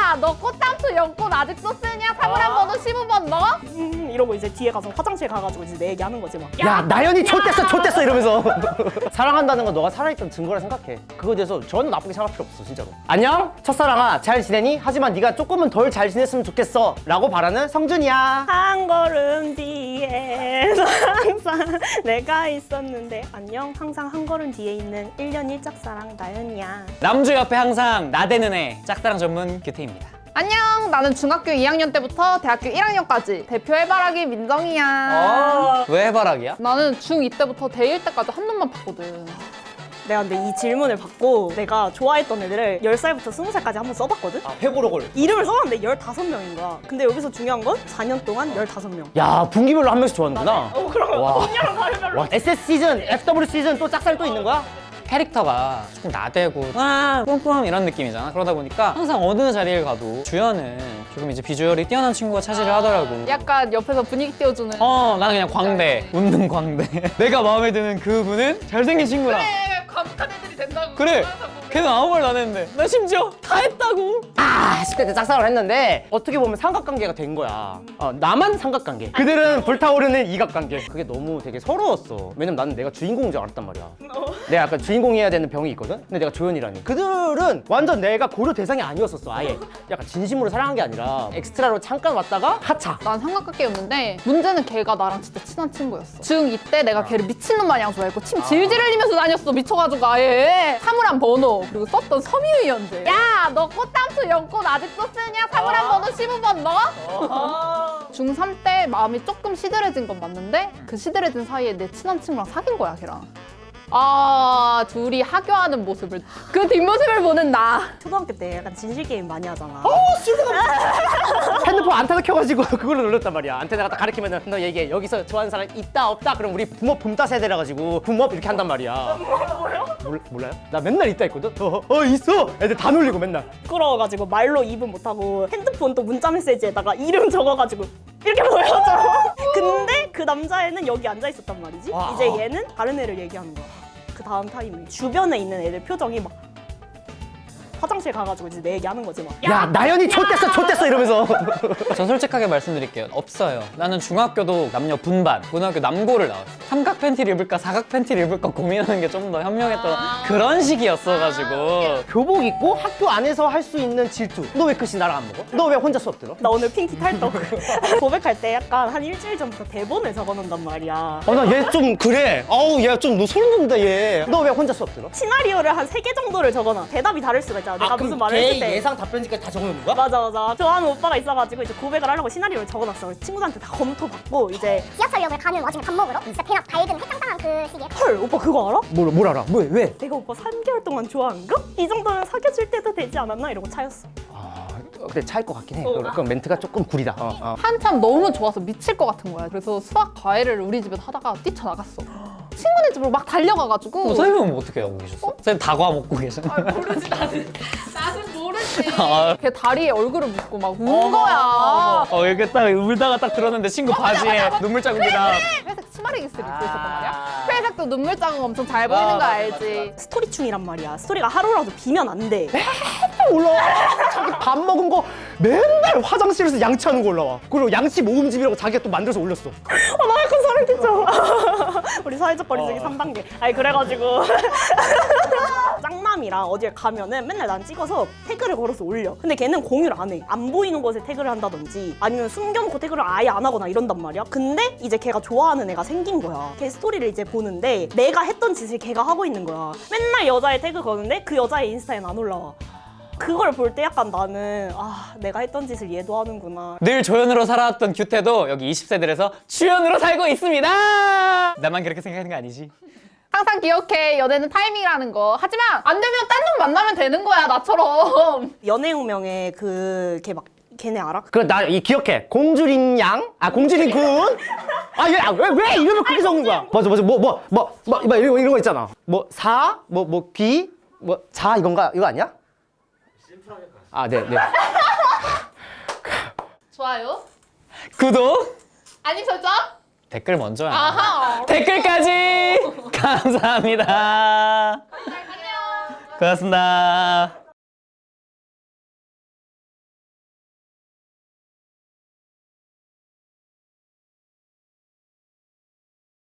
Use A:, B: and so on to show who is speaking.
A: 야, 너 꽃담수 연꽃 아직도 쓰냐? 사물함 번호 15번 너?
B: 이러고 이제 뒤에 가서 화장실 가가지고 이제 내 얘기하는 거지 막.
C: 야 나연이 좆됐어 이러면서 사랑한다는 건 너가 살아있던 증거라 생각해. 그거에 대해서 전혀 나쁘게 생각할 필요 없어 진짜로. 안녕 첫사랑아 잘 지내니? 하지만 네가 조금은 덜 잘 지냈으면 좋겠어 라고 바라는 성준이야.
B: 한 걸음 뒤에 항상 내가 있었는데 안녕. 항상 한 걸음 뒤에 있는 1년 1짝사랑 나연이야.
D: 남주 옆에 항상 나대는 애 짝사랑 전문 규태입니다.
A: 안녕, 나는 중학교 2학년 때부터 대학교 1학년까지 대표 해바라기 민정이야.
D: 왜 해바라기야?
A: 나는 중2 때부터 대1 때까지 한 놈만 봤거든.
B: 내가 근데 이 질문을 받고 내가 좋아했던 애들을 10살부터 20살까지 한번 써봤거든?
C: 회고록을.
B: 이름을 써봤는데 15명인 거야. 근데 여기서 중요한 건 4년 동안 15명.
C: 야 분기별로 한 명씩 좋아하는구나.
B: 그럼
C: 와.
B: 언니랑 다르별로.
C: 와 SS 시즌, FW 시즌 또 짝살 또 있는 거야?
D: 캐릭터가 조금 나대고 와 뿜뿜 이런 느낌이잖아. 그러다 보니까 항상 어느 자리를 가도 주연은 조금 이제 비주얼이 뛰어난 친구가 차지를 하더라고.
A: 약간 옆에서 분위기 띄워주는.
D: 나는 그냥 광대, 웃는 광대. 내가 마음에 드는 그분은 잘생긴 친구라.
A: 과묵한 애들이 된다고.
D: 그래. 걔는 아무 말도 안 했는데 나 심지어 다 했다고.
C: 10대 때 짝사랑을 했는데 어떻게 보면 삼각관계가 된 거야. 나만 삼각관계. 그들은 불타오르는 이각관계. 그게 너무 되게 서러웠어. 왜냐면 나는 내가 주인공인 줄 알았단 말이야. 내가 약간 주인공이어야 되는 병이 있거든? 근데 내가 조연이라니. 그들은 완전 내가 고려 대상이 아니었었어, 아예. 약간 진심으로 사랑한 게 아니라 엑스트라로 잠깐 왔다가 하차.
A: 난 삼각관계였는데 문제는 걔가 나랑 진짜 친한 친구였어. 중2 때 내가 걔를 미친놈 마냥 좋아했고 침 질질 흘리면서 다녔어. 미쳐가지고 아예. 사물함 번호 그리고 썼던 섬유유 연재. 야, 너 꽃담수 연꽃 아직도 쓰냐? 사물함 번호 15번 너? 중3 때 마음이 조금 시들해진 건 맞는데 그 시들해진 사이에 내 친한 친구랑 사귄 거야, 걔랑. 둘이 하교하는 모습을, 그 뒷모습을 보는 나.
B: 초등학교 때 약간 진실 게임 많이 하잖아.
C: 핸드폰 안테나 켜가지고 그걸로 눌렀단 말이야. 안테나가 딱 가리키면은 너 얘기해. 여기서 좋아하는 사람 있다 없다. 그럼 우리 붐업 붐따 세대라 가지고 붐업 이렇게 한단 말이야. 뭐요? 몰라요? 나 맨날 있다 했거든. 있어. 애들 다 놀리고 맨날.
B: 부끄러워가지고 말로 입은 못하고 핸드폰 또 문자 메시지에다가 이름 적어가지고 이렇게 보여줘. 근데 그 남자애는 여기 앉아 있었단 말이지.
C: 와.
B: 이제 얘는 다른 애를 얘기하는 거야. 그 다음 타임에 주변에 있는 애들 표정이 막 화장실 가가지고 이제 내 얘기하는 거지 막.
C: 야 나연이 좆됐어 이러면서.
D: 저 솔직하게 말씀드릴게요. 없어요. 나는 중학교도 남녀 분반, 고등학교 남고를 나왔어. 삼각 팬티를 입을까 사각 팬티를 입을까 고민하는 게 좀 더 현명했던 그런 시기였어가지고.
C: 교복 입고 학교 안에서 할 수 있는 질투. 너 왜 끝이 나랑 안 먹어? 너 왜 혼자 수업 들어?
B: 나 오늘 핑키 탈떡. 고백할 때 약간 한 일주일 전부터 대본을 적어놓는단 말이야.
C: 나 얘 좀 그래. 얘 좀 너 소름 돋는다 얘. 너 왜 혼자 수업 들어?
B: 시나리오를 한 3개 정도를 적어놔. 대답이 다를 수가 있잖아. 내가 무슨 말을 했을 때.
C: 예상 답변지까지 다 적어놓는 거야?
B: 맞아. 좋아하는 오빠가 있어가지고 이제 고백을 하려고 시나리오를 적어놨어. 그래서 친구들한테 다 검토받고 이제
E: 지하철역을 가는 와중에 밥 먹으러 진짜 배가 밝은 해장당한 그 시기에
B: 헐 오빠 그거 알아?
C: 뭘 알아? 왜?
B: 내가 오빠 3개월 동안 좋아한가? 이 정도면 사귀어줄 때도 되지 않았나? 이러고 차였어.
C: 근데 차일 것 같긴 해. 그럼 멘트가 조금 구리다.
A: 한참 너무 좋아서 미칠 것 같은 거야. 그래서 수학 과외를 우리 집에서 하다가 뛰쳐나갔어. 친구네 집으로 막 달려가가지고.
D: 선생님은 어떻게 하고 계셨어? 선생님 다과 먹고 계셨나?
A: 모르지 나는 모르지.
D: 아.
A: 걔 다리에 얼굴을 묻고 막 운 거야.
D: 이렇게 딱 울다가 딱 들었는데 친구 바지에 눈물 자국이다.
A: 회색 치마레기스를 입고 있었단 말이야. 회색도 눈물 자국 엄청 잘 보이는 거 알지?
B: 스토리충이란 말이야. 스토리가 하루라도 비면 안 돼.
C: 올라와. 자기 밥 먹은 거 맨날 화장실에서 양치하는 거 올라와. 그리고 양치 모음집이라고 자기가 또 만들어서 올렸어.
B: 나 약간 소름 끼쳐. 우리 사회적 거리두기 3단계. 아니 그래가지고 짱남이랑 어디에 가면은 맨날 난 찍어서 태그를 걸어서 올려. 근데 걔는 공유를 안 해. 안 보이는 곳에 태그를 한다든지 아니면 숨겨놓고 태그를 아예 안 하거나 이런단 말이야. 근데 이제 걔가 좋아하는 애가 생긴 거야. 걔 스토리를 이제 보는데 내가 했던 짓을 걔가 하고 있는 거야. 맨날 여자애 태그 거는데 그 여자의 인스타에는 안 올라와. 그걸 볼 때 약간 나는 내가 했던 짓을 얘도 하는구나.
D: 늘 조연으로 살아왔던 규태도 여기 20세들에서 주연으로 살고 있습니다. 나만 그렇게 생각하는 거 아니지?
A: 항상 기억해. 연애는 타이밍이라는 거. 하지만 안 되면 딴 놈 만나면 되는 거야, 나처럼.
B: 연애운명에 걔네 알아?
C: 그래 나 기억해. 공주린 양? 공주린 군? 왜 이름을 그렇게 적는 거야? 맞아. 이런 거 있잖아. 귀? 자 이건가? 이거 아니야? 네.
A: 좋아요.
D: 구독,
A: 알림 설정.
D: 댓글 먼저야.
A: 아하.
D: 댓글까지 감사합니다.
A: 안녕.
D: 고맙습니다.